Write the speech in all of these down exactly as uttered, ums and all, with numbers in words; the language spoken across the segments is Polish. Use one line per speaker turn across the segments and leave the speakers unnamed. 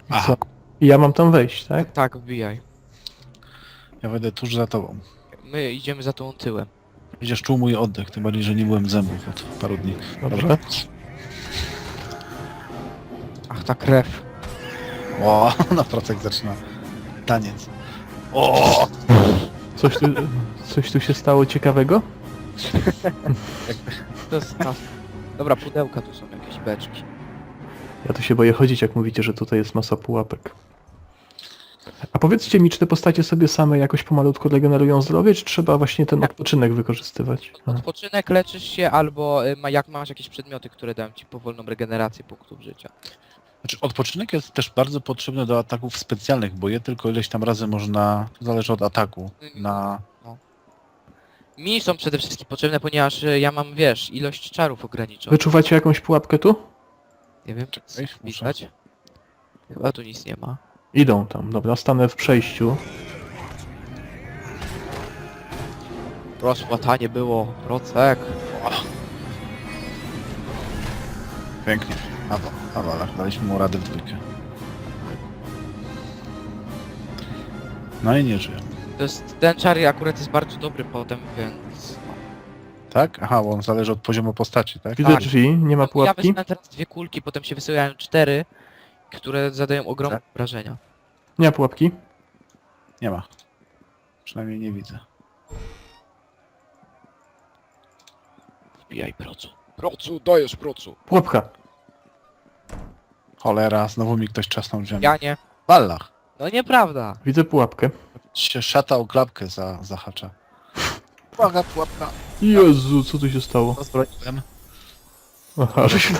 Aha.
Co? I ja mam tam wejść, tak?
Tak, wbijaj.
Ja będę tuż za tobą.
My idziemy za tą tyłem.
Będziesz czuł mój oddech, tym bardziej, że nie byłem zębów od paru dni.
Dobrze.
Ach, ta krew.
O, na procek zaczyna taniec. O!
Coś tu, coś tu się stało ciekawego?
To jest ta... Dobra, pudełka tu są jakieś beczki.
Ja tu się boję chodzić, jak mówicie, że tutaj jest masa pułapek. A powiedzcie mi, czy te postacie sobie same jakoś pomalutku regenerują zdrowie, czy trzeba właśnie ten odpoczynek wykorzystywać? A.
Odpoczynek, leczysz się, albo y, ma, jak masz jakieś przedmioty, które dają ci powolną regenerację punktów życia.
Znaczy, odpoczynek jest też bardzo potrzebny do ataków specjalnych, bo je tylko ileś tam razy można, zależy od ataku, na...
Mi są przede wszystkim potrzebne, ponieważ y, ja mam, wiesz, ilość czarów ograniczoną.
Wyczuwacie jakąś pułapkę tu?
Nie wiem,
Czekaj, muszę.
widać? Chyba tu nic nie ma.
Idą tam, dobra, stanę w przejściu.
Rozpłatanie było, procek.
Pięknie. Awa, awala, daliśmy mu radę w dwójkę. No i nie żyje.
To jest, ten czar akurat jest bardzo dobry potem, więc...
Tak? Aha, bo on zależy od poziomu postaci, tak?
Widzę
Tak.
drzwi, nie ma
Ja
pułapki.
wysyłam teraz dwie kulki, potem się wysyłają cztery, które zadają ogromne
Tak.
wrażenia.
Nie ma pułapki.
Nie ma. Przynajmniej nie widzę.
Wbijaj procu. Procu, dajesz procu.
Pułapka.
Cholera, znowu mi ktoś trzasnął drzwiami.
Ja nie.
Ballach.
No nieprawda.
Widzę pułapkę.
Się szata o klapkę za, zahacza. Uwaga, pułapka.
Jezu, co tu się stało?
Rozbroiłem.
Aha, żeś...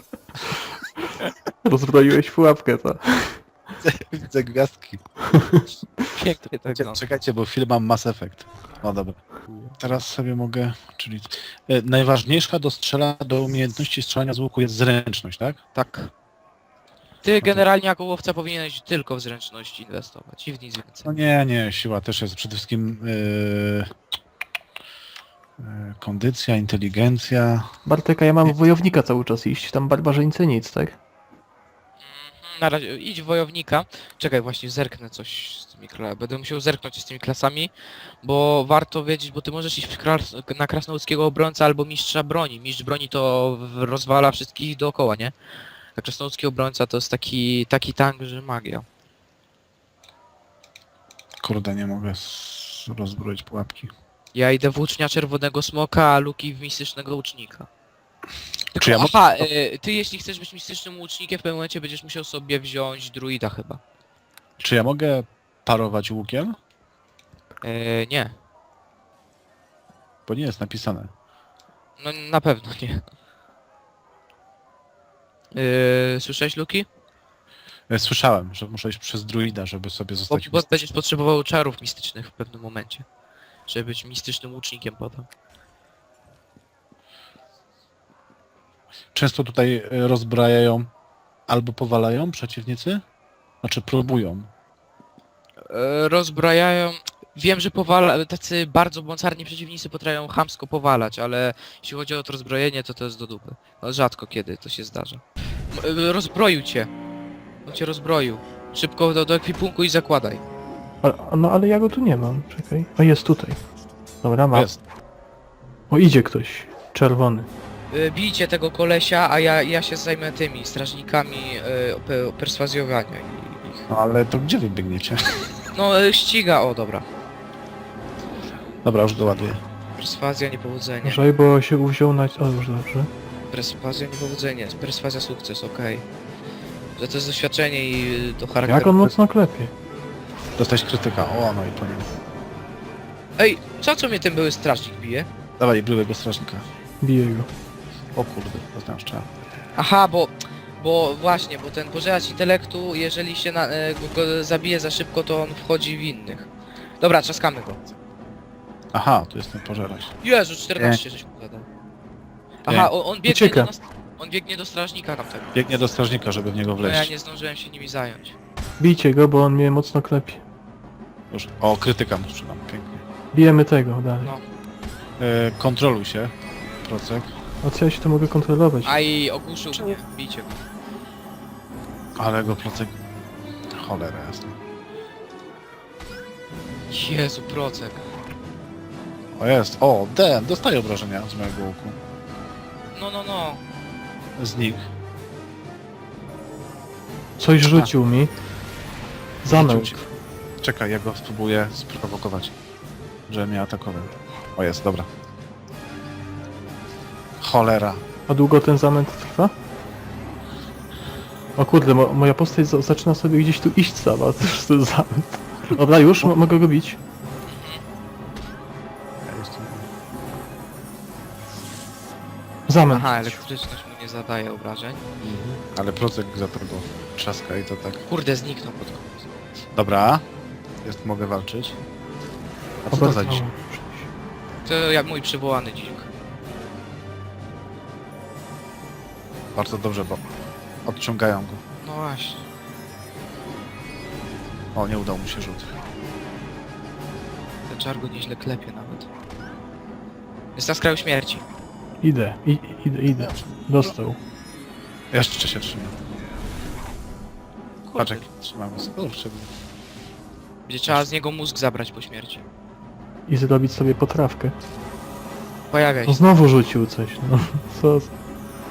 Rozbroiłeś pułapkę, to.
Widzę gwiazdki.
Pięknie to wygląda.
Czekajcie, bo film mam Mass Effect. O dobra. Teraz sobie mogę, czyli... E, najważniejsza do strzela, do umiejętności strzelania z łuku jest zręczność, tak?
Tak. Ty generalnie jako łowca powinieneś tylko w zręczność inwestować i w nic więcej.
No nie, nie, siła też jest przede wszystkim e, e, kondycja, inteligencja.
Bartek, a ja mam w wojownika cały czas iść, tam barbarzyńcy nic, tak?
Mhm, na razie idź w wojownika. Czekaj, właśnie zerknę coś z tymi klasami. Będę musiał zerknąć z tymi klasami, bo warto wiedzieć, bo ty możesz iść w kras na krasnoludzkiego obrońca albo mistrza broni. Mistrz broni to w- rozwala wszystkich dookoła, nie? A krasnoludzki obrońca to jest taki, taki tank, że magia.
Kurde, nie mogę s- rozbroić pułapki.
Ja idę w łucznia czerwonego smoka, a Luki w mistycznego łucznika. Tylko,
Czy ja mo-
aha, y, ty jeśli chcesz być mistycznym łucznikiem, w pewnym momencie będziesz musiał sobie wziąć druida chyba.
Czy ja mogę parować łukiem?
Y, nie,
Bo nie jest napisane.
no na pewno nie. Y, słyszałeś Luki?
E, Słyszałem, że muszę iść przez druida, żeby sobie
Bo,
zostać...
bo będziesz potrzebował czarów mistycznych w pewnym momencie. Żeby być mistycznym łucznikiem potem.
Często tutaj e, rozbrajają albo powalają przeciwnicy, znaczy próbują.
E, rozbrajają... Wiem, że powala... tacy bardzo mocarni przeciwnicy potrafią chamsko powalać, ale jeśli chodzi o to rozbrojenie, to to jest do dupy. No, rzadko kiedy to się zdarza. M- e, rozbroił cię. On cię rozbroił. Szybko do, do ekwipunku i zakładaj.
A, no ale ja go tu nie mam, czekaj. O, jest tutaj. Dobra, mam.
Jest.
O, idzie ktoś. Czerwony.
E, bijcie tego kolesia, a ja, ja się zajmę tymi strażnikami e, pe, perswazjowania ich.
No ale to gdzie wy biegniecie?
No, e, ściga, o dobra.
Dobra, już doładuję.
Perswazja, niepowodzenie.
Uważaj, bo się uwziął na... O, już dobrze.
Perswazja, niepowodzenie. Perswazja, sukces, okej. Że to jest doświadczenie i y, to charakter...
Jak on mocno klepie.
Dostać krytyka. O, no i po nim.
Ej, co co mnie ten były strażnik bije?
Dawaj, byłego strażnika.
Bije go.
O kurde, to znam szczerze.
Aha, bo... Bo właśnie, bo ten pożeracz intelektu, jeżeli się na, e, go, go zabije za szybko, to on wchodzi w innych. Dobra, trzaskamy go.
Aha, tu jest ten pożerać.
Jezu, czternaście żeś mu zadał. Aha, on, on biegnie
Ucieka.
do nas... On biegnie do strażnika tamtego.
Biegnie do strażnika, żeby w niego
No ja
wleźć.
nie zdążyłem się nimi zająć.
Bijcie go, bo on mnie mocno klepie.
Już. O, krytyka mu sprzedam. Pięknie.
Bijemy tego dalej.
No.
E, kontroluj się. Procek.
A co ja się to mogę kontrolować?
A i ogłuszył mnie, bijcie go.
Ale go Procek Cholera jasna.
Jezu, procek.
O jest, o, D, dostaję obrażenia z mojego łuku.
No, no, no.
Z nich.
Coś rzucił mi. Zamęt.
Czekaj, ja go spróbuję sprowokować, żeby mnie atakował. O jest, dobra. Cholera.
A długo ten zamęt trwa? O kurde, mo moja postać za zaczyna sobie gdzieś tu iść sama. Cóż to jest zamęt. Dobra, już mo mogę go bić.
Ja jestem...
Zamęt.
Aha, elektryczność mu nie zadaje obrażeń.
Ale procek za tego trzaska i to tak.
Kurde, zniknął pod koniec.
Dobra. Jest, mogę walczyć. A co to za dziś?
To jak mój przywołany dzik.
Bardzo dobrze, bo odciągają go.
No właśnie.
O, nie udał mu się rzut.
Ten czar go nieźle klepie nawet. Jest na skraju śmierci.
Idę, i idę, idę. Dostał.
Jeszcze się trzyma. Patrz
Kurde,
jak trzymamy sobie. Kurczę.
będzie trzeba z niego mózg zabrać po śmierci.
I zrobić sobie potrawkę.
Pojawiaj
No
się.
znowu rzucił coś, no. Co? za-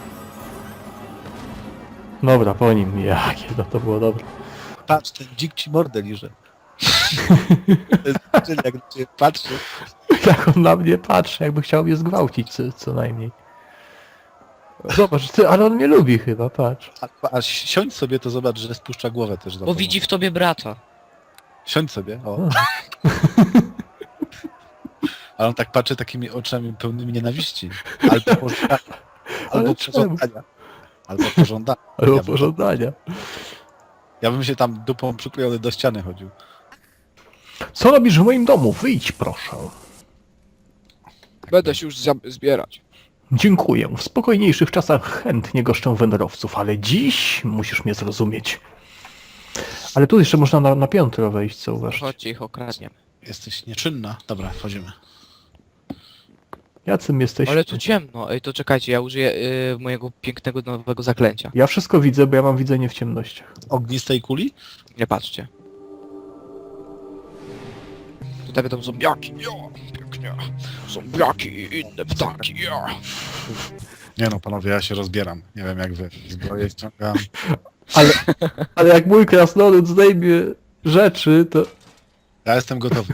Dobra, po nim. Jakie to, to było dobre.
Patrz, ten dzik ci mordę liże. Czyli jak na ciebie patrzy.
Jak on na mnie patrzy, jakby chciał mnie zgwałcić co, co najmniej. Zobacz, ty, ale on mnie lubi chyba, patrz.
A, a siądź sobie, to zobacz, że spuszcza głowę też za
Bo
tobą.
widzi w tobie brata.
Siądź sobie, o.
O.
Ale on tak patrzy takimi oczami pełnymi nienawiści. Albo pożądania.
Ale
Albo
czemu?
pożądania. Albo pożądania.
Albo
Ja bym-
pożądania.
Ja bym się tam dupą przyklejony do ściany chodził.
Co robisz w moim domu? Wyjdź proszę.
Będę się już zbierać.
Dziękuję. W spokojniejszych czasach chętnie goszczę wędrowców, ale dziś musisz mnie zrozumieć. Ale tu jeszcze można na, na piętro wejść, co uważasz?
Chodźcie, ich okradniemy.
Jesteś nieczynna. Dobra, wchodzimy.
Jacym jesteś?
Ale tu ciemno. Ej, to czekajcie, ja użyję y, mojego pięknego nowego zaklęcia.
Ja wszystko widzę, bo ja mam widzenie w ciemnościach.
Ognistej kuli?
Nie patrzcie. Tutaj będą zombiaki, ja, pięknie. Zombiaki i inne ptaki, ja.
Nie no, panowie, ja się rozbieram. Nie wiem jak wy. Zbroję ściągam.
Ale, ale jak mój krasnolud zdejmie rzeczy, to...
Ja jestem gotowy.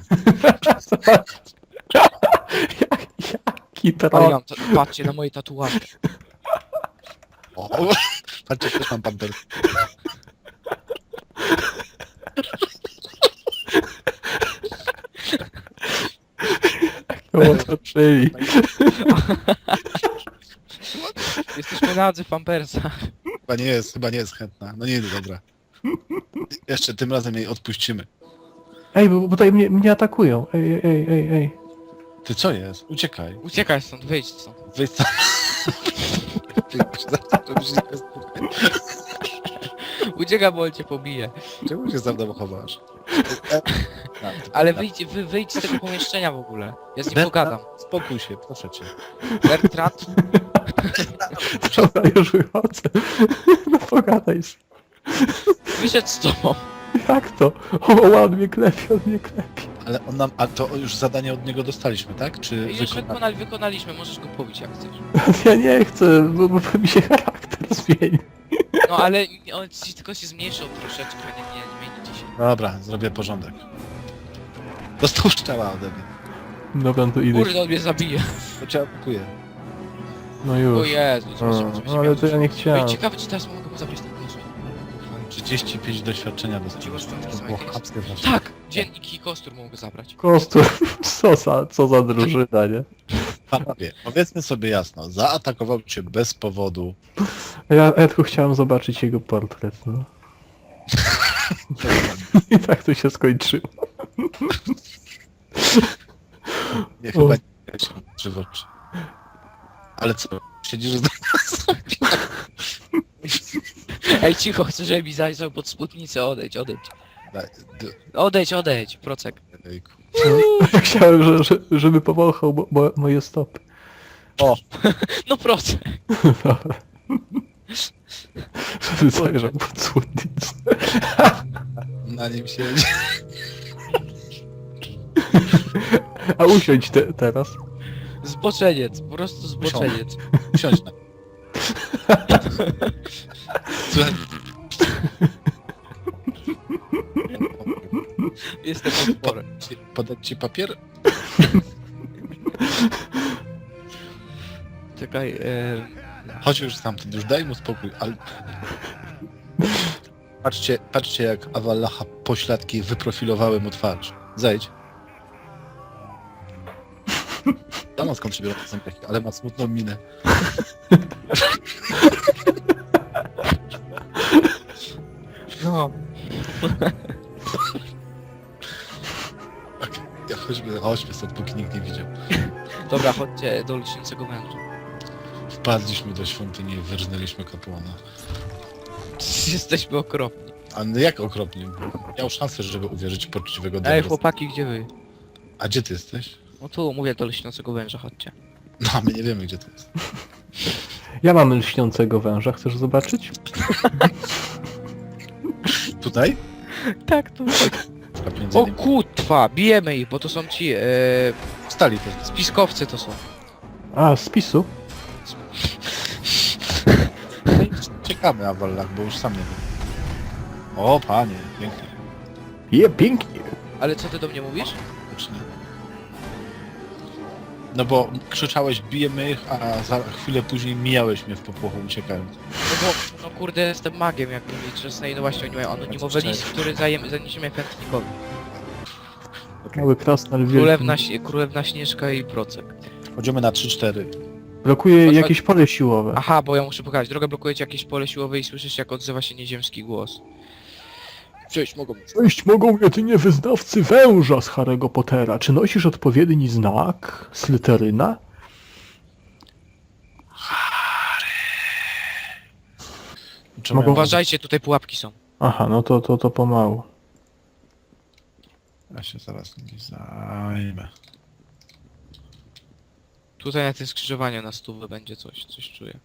Jak, jaki
Ale
tron.
mam, ta- patrzcie na moje tatuaże.
O, patrzcie, też mam pamper.
Otoczyli.
Jesteśmy nadzy w pampersach.
Chyba nie jest, chyba nie jest chętna. No nie, dobra. Jeszcze tym razem jej odpuścimy.
Ej, bo, bo tutaj mnie, mnie atakują. Ej, ej, ej, ej.
Ty co jest? Uciekaj.
Uciekaj stąd, wyjdź stąd.
Wyjdź tam. Żebyś nie spotkał.
Uciekaj, bo on cię pobije.
Czemu się za mną chowasz?
Ale wyjdź, wy, wyjdź z tego pomieszczenia w ogóle. Ja z nim
Bertrand,
pogadam.
Spokój się, proszę cię.
Bertrand,
Dobra, już wychodzę. No pogadaj z...
wyszedł z tobą.
Jak to? O, on mnie klepie, on mnie klepie.
Ale on nam, a to już zadanie od niego dostaliśmy, tak? Czy
Już
wykonali?
wykonali, wykonaliśmy, możesz go pobić jak chcesz.
Ja nie chcę, bo, bo mi się charakter zmieni.
No ale on ci tylko się zmniejszył troszeczkę, nie, nie zmieni ci się.
Dobra, zrobię porządek. Dostał szczała ode mnie.
Dobra, no to idę.
Kurde, on mnie zabije.
To cię atakuje.
No
O
już.
Jezu,
O,
zobaczymy, co
no, ale to ja nie chciałem.
Ej, ciekawe, czy teraz mogę mu zabrać ten koszt.
trzydzieści pięć doświadczenia dostałem. To było chamskie właśnie.
Tak! Dziennik i kostur mogę zabrać.
Kostur, co za, co za drużyna, nie?
Panowie, powiedzmy sobie jasno, zaatakował cię bez powodu.
A Ja, ja tylko chciałem zobaczyć jego portret, no. I tak to się skończyło.
Nie, chyba nie się oczy w oczy. Ale co? Siedzisz z
Ej, cicho, chcę, żeby mi zajrzał pod spódnicę, odejdź, odejdź.
Daj, d-
Odejdź, odejdź, procek.
ejku.
Chciałem, że, że, żeby powąchał mo, mo, moje stopy.
O,
No procek.
Dobra. Żeby zajrzał pod spódnicę.
na nim siedzi.
A usiądź te, teraz.
Zboczeniec, po prostu zboczeniec.
Siądź na. Słuchaj.
Jestem potworem.
Podać ci papier?
Czekaj, e...
Chodź już stamtąd, już daj mu spokój, ale... Patrzcie, patrzcie jak Avallacha pośladki wyprofilowały mu twarz. Zejdź. Ja mam skąd się biorą te zębiaki, ale ma smutną minę.
No.
Okay. Ja chodźmy, chodźmy stąd, póki nikt nie widział.
Dobra, chodźcie do lśniącego węża.
Wpadliśmy do świątyni i wyrżnęliśmy kapłana.
Jesteśmy okropni.
A no jak okropnie. Miał szansę, żeby uwierzyć w poczciwego
Ej,
dobra.
chłopaki, gdzie wy?
A gdzie ty jesteś?
No tu mówię do lśniącego węża, chodźcie.
No, a my nie wiemy, gdzie to jest.
Ja mam lśniącego węża, chcesz zobaczyć?
Tutaj?
Tak, tu.
A między
O
nimi.
kutwa, bijemy ich, bo to są ci, e...
Wstali też.
spiskowcy to są.
A, z PiSu?
Czekamy, Avallach, bo już sam nie wiem. O, panie, pięknie.
Je, pięknie.
Ale co ty do mnie mówisz?
Faktycznie. No bo krzyczałeś, bijemy ich, a za chwilę później mijałeś mnie w popłochu uciekając.
No bo, no kurde, jestem magiem, jak mówię, czasem, no właśnie oni mają anonimowy
Cześć.
list, który zajem, zaniesiemy chętnikowi.
Mały krasnal wielki.
Królewna, Śnie- Królewna Śnieżka i Procek.
Chodzimy na trzy cztery.
Blokuje
Chodź,
jakieś pole siłowe.
Aha, bo ja muszę pokazać, drogę blokujecie jakieś pole siłowe i słyszysz jak odzywa się nieziemski głos. Przejść mogą.
Przejść mogą jedynie wyznawcy węża z Harry'ego Pottera. Czy nosisz odpowiedni znak? Slytheryna?
Czemu
Mogą-
ja-
Uważajcie, tutaj pułapki są.
Aha, no to, to, to pomału.
Ja się zaraz nimi zajmę.
Tutaj na tym skrzyżowaniu na stówę będzie coś, coś czuję.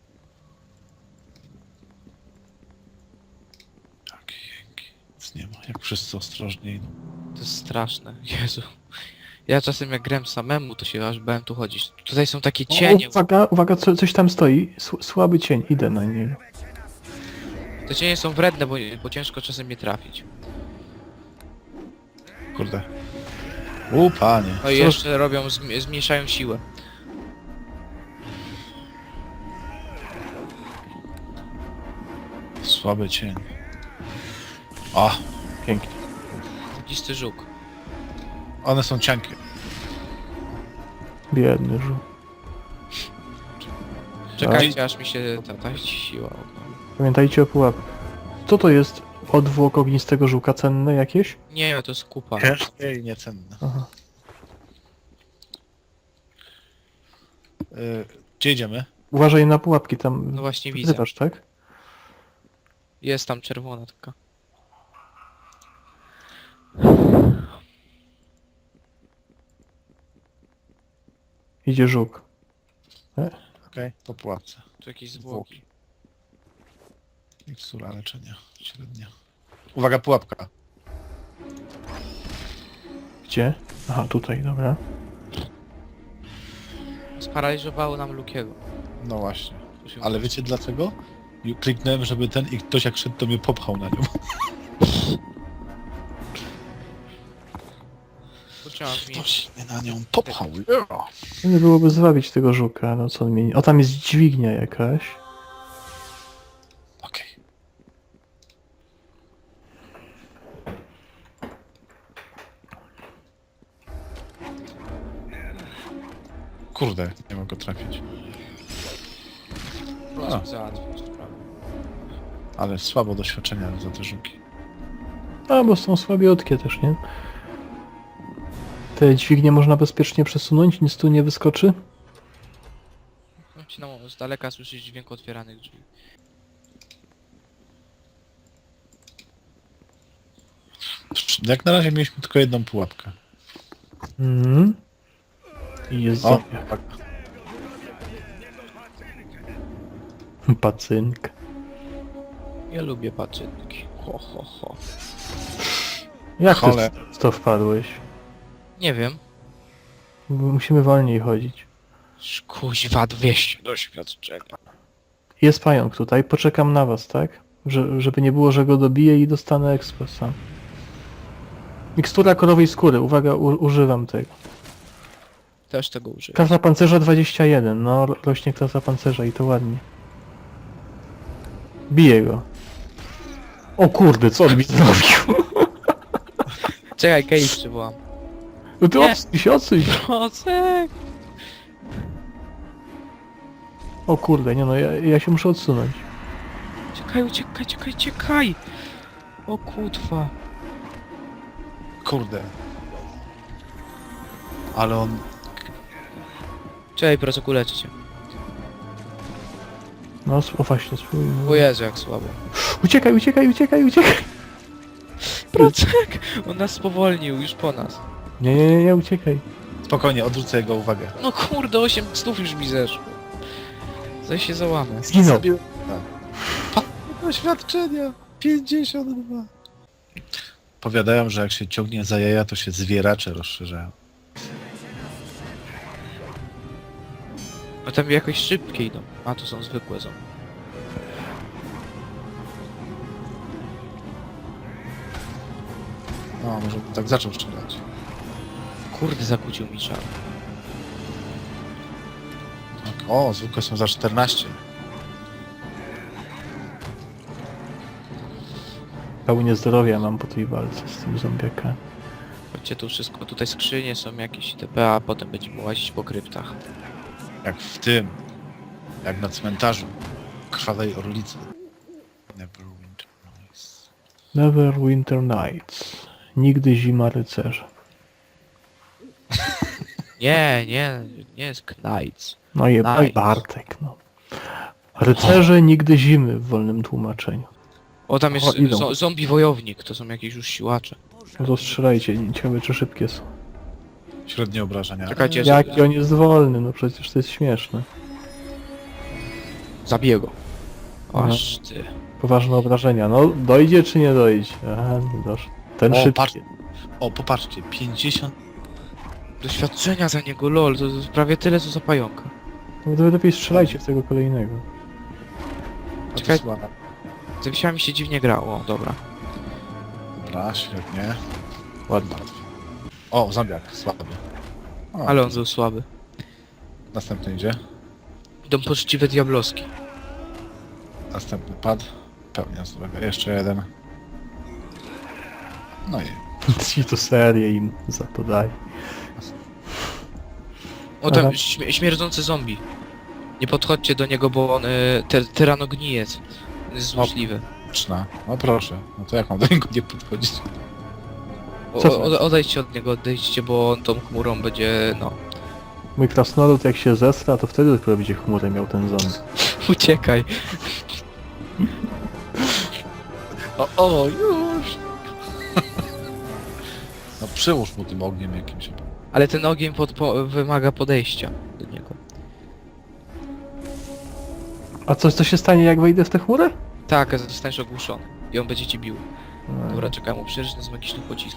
Takie jęki. Nic nie ma, jak wszyscy ostrożnie idą.
To jest straszne, Jezu. Ja czasem jak grałem samemu, to się aż bałem tu chodzić. Tutaj są takie cienie.
O, uwaga, uwaga, co, coś tam stoi. Sł- słaby cień, idę na niego.
Te cienie są wredne, bo, bo ciężko czasem je trafić.
Kurde. U, panie.
No i
Co-
jeszcze robią, zm- zmniejszają siłę.
Słaby cień. A,
Pięknie.
Dzisty żuk.
one są cienkie.
Biedny żół.
Czekajcie aż mi się ta, ta siła odnowi.
Pamiętajcie o pułapkach. Co to jest? Odwłok ognistego żółka cenne jakieś?
Nie, to jest kupa.
Ciężkie i niecenne.
Aha.
Y, gdzie idziemy?
Uważaj na pułapki tam.
No właśnie widzę.
Wzywasz, tak?
Jest tam czerwona taka.
Idzie żółk.
Okej, po pułapce.
Tu jakieś zwłoki.
Mikstura leczenia średnia. Uwaga, pułapka.
Gdzie? Aha, tutaj, dobra.
Sparaliżowało nam Lukiego.
No właśnie.
Tu się-
Ale wiecie dlaczego? I kliknąłem, żeby ten i ktoś jak szedł, to mnie popchał na nią.
Kurczę, mam mi...
Ktoś mnie na nią popchał.
Nie byłoby zwabić tego żuka, no co on mieni. O, tam jest dźwignia jakaś.
Okej. Kurde, nie mogę trafić.
Proszę załatwić sprawę.
Ale słabo doświadczenia za te żuki.
A, bo są słabiutkie też, nie? Te dźwignie można bezpiecznie przesunąć, nic tu nie wyskoczy?
Mam się na z daleka słyszeć dźwięk otwieranych drzwi.
Jak na razie mieliśmy tylko jedną pułapkę.
Mhm. I jest
O,
zombiak.
tak.
Pacynk.
Ja lubię paczynki. Ho, ho, ho.
Jak ty
Cholera.
w to wpadłeś?
Nie wiem.
Musimy wolniej chodzić.
Kuźwa, dwieście doświadczenia.
Jest pająk tutaj, poczekam na was, tak? Że, żeby nie było, że go dobiję i dostanę ekspres sam. Mikstura korowej skóry, uwaga, u, używam tego.
Też tego użyję.
Klasa pancerza dwadzieścia jeden, no ro- rośnie klasa pancerza i to ładnie. Biję go. O kurde, co on mi zrobił?
Czekaj, Kej przywołam.
No ty
Nie.
odsuń się, odsuń się.
Procek!
O kurde, nie no, ja, ja się muszę odsunąć.
Czekaj, uciekaj, czekaj, czekaj! O kutwa.
Kurde. Ale on...
Czekaj, Procek, uleczę cię.
No, s- o właśnie, spróbujmy.
O Jezu, jak słabo.
Uciekaj, uciekaj, uciekaj, uciekaj!
Procek! On nas spowolnił, już po nas.
Nie, nie, nie, nie, uciekaj.
Spokojnie, odwrócę jego uwagę.
No kurde, osiem stów już mi zeszło. Zaś się załamę.
Zginął.
Tak. Doświadczenia! pięćdziesiąt dwa. Powiadają, że jak się ciągnie za jaja, to się zwieracze rozszerzają.
No tam jakoś szybkie idą. A, tu są zwykłe zombie.
No, może bym tak zaczął strzelać.
Kurde, zakłócił mi czar.
Tak. O, zwykłe są za czternaście.
Pełnię zdrowia mam po tej walce z tym zombiakami.
Chodźcie tu wszystko, tutaj skrzynie są jakieś itp, a potem będziemy łazić po kryptach.
Jak w tym. Jak na cmentarzu. Krwawej orlicy. Neverwinter Nights.
Neverwinter Nights. Nigdy zima rycerza.
Nie, nie, nie jest Knights.
No i
Nice.
Bartek, no. Rycerze nigdy zimy w wolnym tłumaczeniu.
O, tam jest
O, idą.
zo zombie wojownik, to są jakieś już siłacze.
No to strzelajcie, ciekawe czy szybkie są.
Średnie obrażenia.
Czekajcie,
Jaki on jest wolny, no przecież to jest śmieszne.
zabiję go.
Aha.
Aż ty.
Poważne obrażenia, no dojdzie czy nie dojdzie? Aha, nie doszło. Ten
O,
szybki.
patrz. O, popatrzcie, pięćdziesiąt...
Doświadczenia za niego, lol, to jest prawie tyle co za pająka.
No to lepiej strzelajcie w tego kolejnego.
A to
Czekaj.
słaba.
Z wisiami się dziwnie grało, o, dobra.
Dobra, świetnie. Ładnie. O, zombiak, słaby. O,
Ale on był słaby.
Następny idzie.
Idą poczciwe diabloski.
Następny pad. Pełnia zdrowia. Jeszcze jeden. No i...
Ci to serię im zapodaj.
O, tam
Aha.
śmie śmierdzący zombie. Nie podchodźcie do niego, bo on y, te tyranogniec. On jest złośliwy.
Czna. No proszę. No to jak mam do niego nie podchodzić?
O,
Co
o, odejdźcie od niego, odejdźcie, bo on tą chmurą będzie, no...
Mój krasnolud jak się zestra, to wtedy dopiero będzie chmurę miał ten zombie.
Uciekaj.
O, o, już! No przyłóż mu tym ogniem jakimś.
Ale ten ogień pod, po, wymaga podejścia do niego.
A co, co się stanie jak wejdę w tę chmurę?
Tak, zostaniesz ogłuszony. I on będzie ci bił.
No.
Dobra, czekaj, mu przeżyć z magicznych pocisków.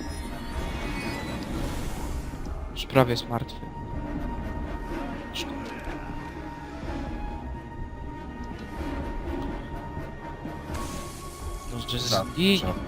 Już prawie jest martwy. Szkoda. Może z...
Tak,
I...
trzeba.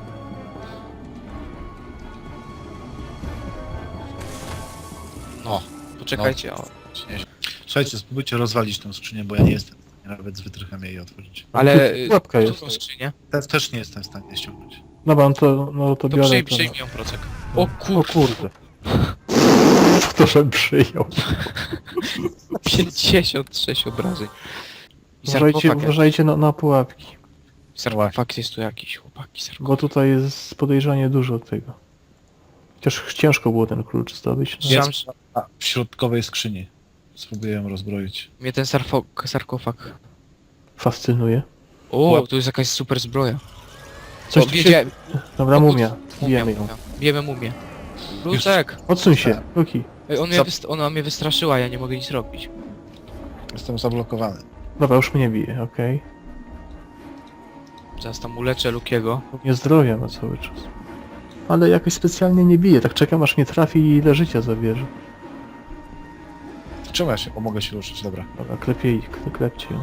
No,
Poczekajcie, o.
słuchajcie, spróbujcie rozwalić tę skrzynię, bo ja nie jestem w stanie nawet z wytrychem jej otworzyć.
Ale... y,
Pułapka jest.
którą skrzynię?
Też, też nie jestem w stanie ściągnąć.
Dobra, no to, no to
To
biorę
przyjm,
to.
przyjmij ją, Procek. O
O
kur...
kurde. To żebym przyjął.
pięćdziesiąt sześć obrażeń. I
Uważajcie,
sarkofag,
uważajcie na, na pułapki.
sarkofag jest tu jakiś, chłopaki, sarkofag.
Bo tutaj jest podejrzanie dużo tego. Chociaż ciężko było ten klucz zdobyć. No.
Jest-
Jest a, w środkowej skrzyni. Spróbuję ją rozbroić.
Mnie ten sarfok, sarkofag...
Fascynuje.
O, tu jest jakaś super zbroja.
Coś
o,
tu się...
wiedziałem.
Dobra,
O,
mumia.
Mumia,
Bijemy ją.
mumia. Bijemy mumię. Lucek!
Odsuń się, Luki.
Ej, on mnie
Co?
wyst- ona mnie wystraszyła, ja nie mogę nic robić.
Jestem zablokowany.
Dobra, już mnie bije, okej.
Zaraz tam uleczę Lukiego.
Nie zdrowia ma cały czas. ale jakoś specjalnie nie bije. Tak czekam aż mnie trafi i ile życia zabierze.
Czemu ja się pomogę się ruszyć? Dobra.
Dobra, klepie ich, klepcie ją.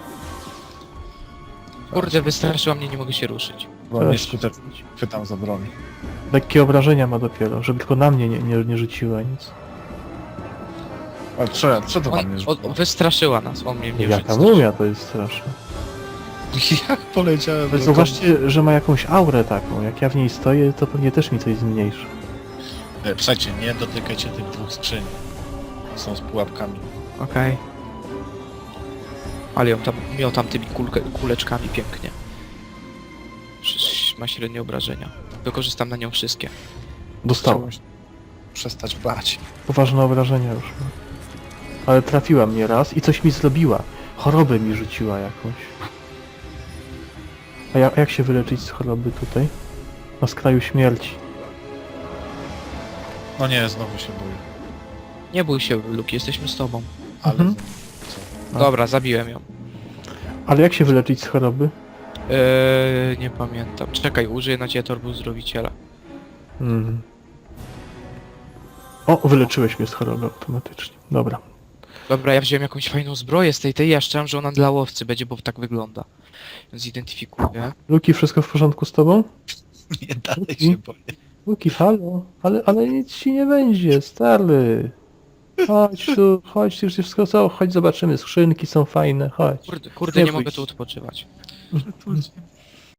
Kurde, wystraszyła mnie, nie mogę się ruszyć.
Bo
Teraz
nie skutecznie chwytam za broń.
Lekkie obrażenia ma dopiero, żeby tylko na mnie nie, nie, nie rzuciła nic.
A co, ja- co to
On,
wam jest?
o, wystraszyła nas, on mnie nie
Jaka
wystraszył.
mumia to jest straszne.
Jak poleciałem?
Ale
do
zauważcie, że ma jakąś aurę taką. Jak ja w niej stoję, to pewnie też mi coś zmniejszy.
kom- E, Słuchajcie, nie dotykajcie tych dwóch skrzyń. Są z pułapkami.
Okej. Ale ją tam, miotam tymi kulke, kuleczkami pięknie. Przecież ma średnie obrażenia. Wykorzystam na nią wszystkie.
Dostała.
Trzeba się przestać bać.
Poważne obrażenia już ma. Ale trafiła mnie raz i coś mi zrobiła. Chorobę mi rzuciła jakąś. A, ja, a jak się wyleczyć z choroby tutaj? Na skraju śmierci.
No nie, znowu się boję.
Nie bój się, Luki, jesteśmy z tobą.
Ale...
Mhm.
Co?
A.
Dobra, zabiłem ją.
Ale jak się wyleczyć z choroby?
Eee, nie pamiętam. Czekaj, użyję na ciebie torbu zdrowiciela.
Mhm. O, wyleczyłeś mnie z choroby automatycznie. Dobra.
Dobra, ja wziąłem jakąś fajną zbroję z tej tej, ja szczerze, że ona dla łowcy będzie, bo tak wygląda. Więc identyfikuję.
Luki, wszystko w porządku z tobą?
Nie dalej
Luki?
się boję.
Luki, halo? Ale, ale nic ci nie będzie, stary. Chodź tu, chodź, tu już wszystko co? Chodź zobaczymy, skrzynki są fajne, chodź.
Kurde, kurde
Nie
nie
bój
mogę
się.
tu odpoczywać.
Tu